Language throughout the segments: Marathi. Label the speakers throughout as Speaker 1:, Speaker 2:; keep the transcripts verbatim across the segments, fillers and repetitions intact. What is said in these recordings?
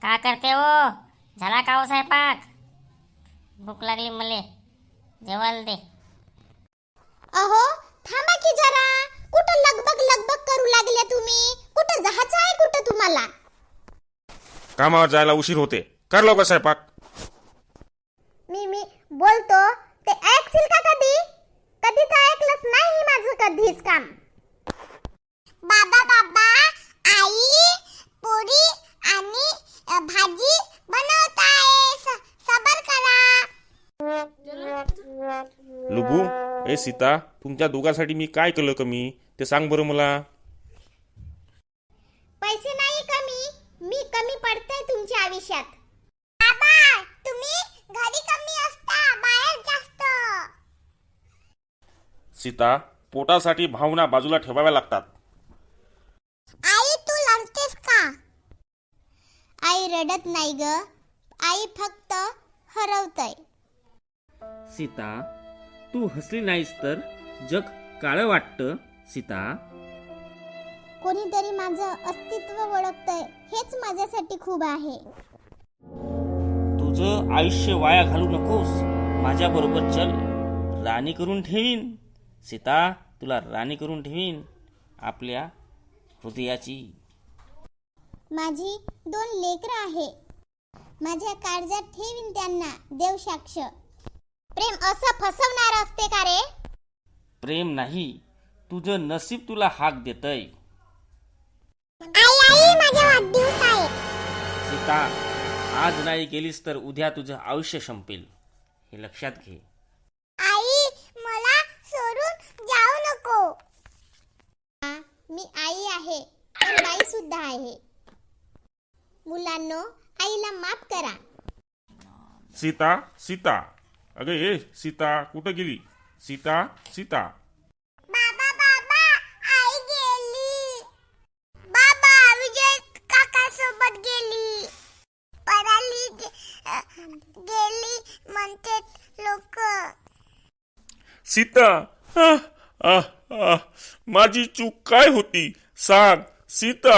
Speaker 1: का करते हो? झाला का हो स्वयंपाक? भूक लागली मले, जेवायला दे.
Speaker 2: अहो थांबा की जरा. कुठं लगबग लगबग करू लागले तुम्ही? कुठं जायचं आहे कुठं तुम्हाला?
Speaker 3: कामावर जायला उशीर होते. कर लवकर स्वयंपाक.
Speaker 2: मी मी बोलतो ते ऐकशील का कधी? कधी तर ऐकलंच नाही माझं कधीच काम. बाबा बाबा आई पोळी आणि अ, भाजी बनवत आहे. सबर करा.
Speaker 3: लुबू, ए सीता, तुमच्या दोघांसाठी मी काय केलं कमी ते सांग बरं मला.
Speaker 2: पैसे नाही कमी, मी कमी पडते तुमच्या आयुष्यात. बाबा तुम्ही घरी कमी असता, बाहेर जास्त.
Speaker 3: सीता, पोटासाठी भावना बाजूला ठेवाव्या लागतात.
Speaker 2: आई तू लढतेस का? आई रडत नाही ग. आई फक्त हरवतय.
Speaker 4: सीता, तू हसली नाहीस तर जग काळं वाटतं. सीता,
Speaker 2: कोणीतरी माझं अस्तित्व ओळखतय, हेच माझ्यासाठी खूप आहे.
Speaker 4: तुझं आयुष्य वाया घालू नकोस. माझ्या बरोबर चल, राणी करून ठेवीन. सीता, तुला राणी करून ठेवीन आपल्या हृदयाची.
Speaker 2: माझी दोन लेकरं आहे. माझ्या काळजात ठेवीन त्यांना देव साक्ष. प्रेम असं फसवणार असते का रे?
Speaker 4: प्रेम नाही, तुझं नसीब तुला हाक देतय.
Speaker 2: आई आई माझा वाढदिवस आहे.
Speaker 4: सीता, आज नाही गेलीस तर उद्या तुझं आयुष्य संपेल, हे लक्षात घे.
Speaker 2: आई मला सोडून जाऊ नको. मी आई आहे, पण बाई सुद्धा आहे. मुलांनो, आईला माफ करा.
Speaker 3: सीता, सीता, अगं ए सीता, कुठं गेली? सीता, सीता.
Speaker 2: बाबा बाबा आई गेली. बाबा विजय काका सोबत गेली. पराली गे- गेली म्हणते लोक.
Speaker 3: सीता, आह, आह, आह, माझी चूक काय होती सांग सीता.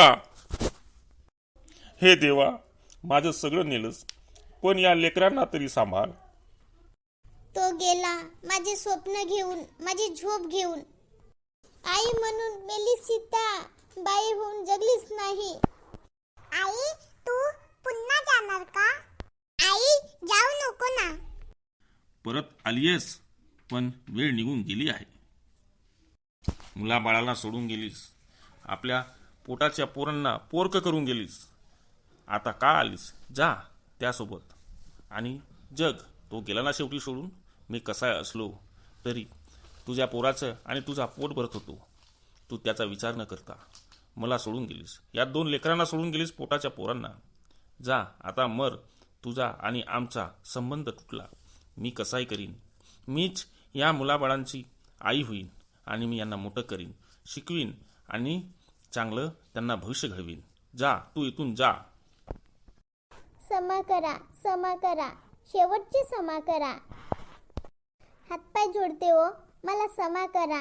Speaker 3: हे देवा, माझं सगळं नेलंस, पण या लेकरांना तरी सांभाळ.
Speaker 2: तो गेला माझे स्वप्न घेऊन, माझी झोप घेऊन. आई म्हणून मेली सीता, बाई होऊन जगलीच नाही. आई तू पुन्हा जाणार का? आई जाऊ नको ना.
Speaker 3: परत आलीयस, पण वेळ निघून गेली आहे. मुलाबाळाला सोडून गेलीस, आपल्या पोटाच्या पोरांना पोरकं करून गेलीस. आता का आलीस? जा त्यासोबत. आणि जग तो गेला ना शेवटी सोडून. मी कसा असलो तरी तुझ्या पोराचं आणि तुझा पोट भरत होतो. तू त्याचा विचार न करता मला सोडून गेलीस. या दोन लेकरांना सोडून गेलीस, पोटाच्या पोरांना. जा आता मर. तुझा आणि आमचा संबंध तुटला. मी कसाही करीन. मीच या मुलाबाळांची आई होईन आणि मी यांना मोठं करीन, शिकवीन आणि चांगलं त्यांना भविष्य घडवीन. जा तू इथून जा.
Speaker 2: क्षमा करा, क्षमा करा, शेवटची क्षमा करा. हातपाय जोडते हो, मला क्षमा करा.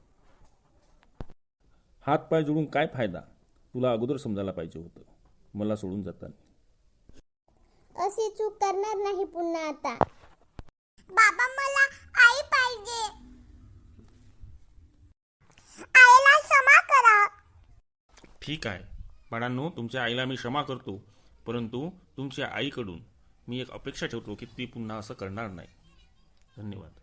Speaker 3: हात पाय जोडून काय फायदा? तुला अगोदर समजायला पाहिजे होतं मला सोडून जाताना.
Speaker 2: अशी चूक करणार नाही पुन्हा आता. बाबा मला आई पाहिजे. आईला क्षमा करा.
Speaker 3: ठीक आहे बाळांनो, तुमच्या आईला मी क्षमा करतो, परंतु तुमच्या आईकडून मी एक अपेक्षा ठेवतो की ती पुन्हा असं करणार नाही. धन्यवाद.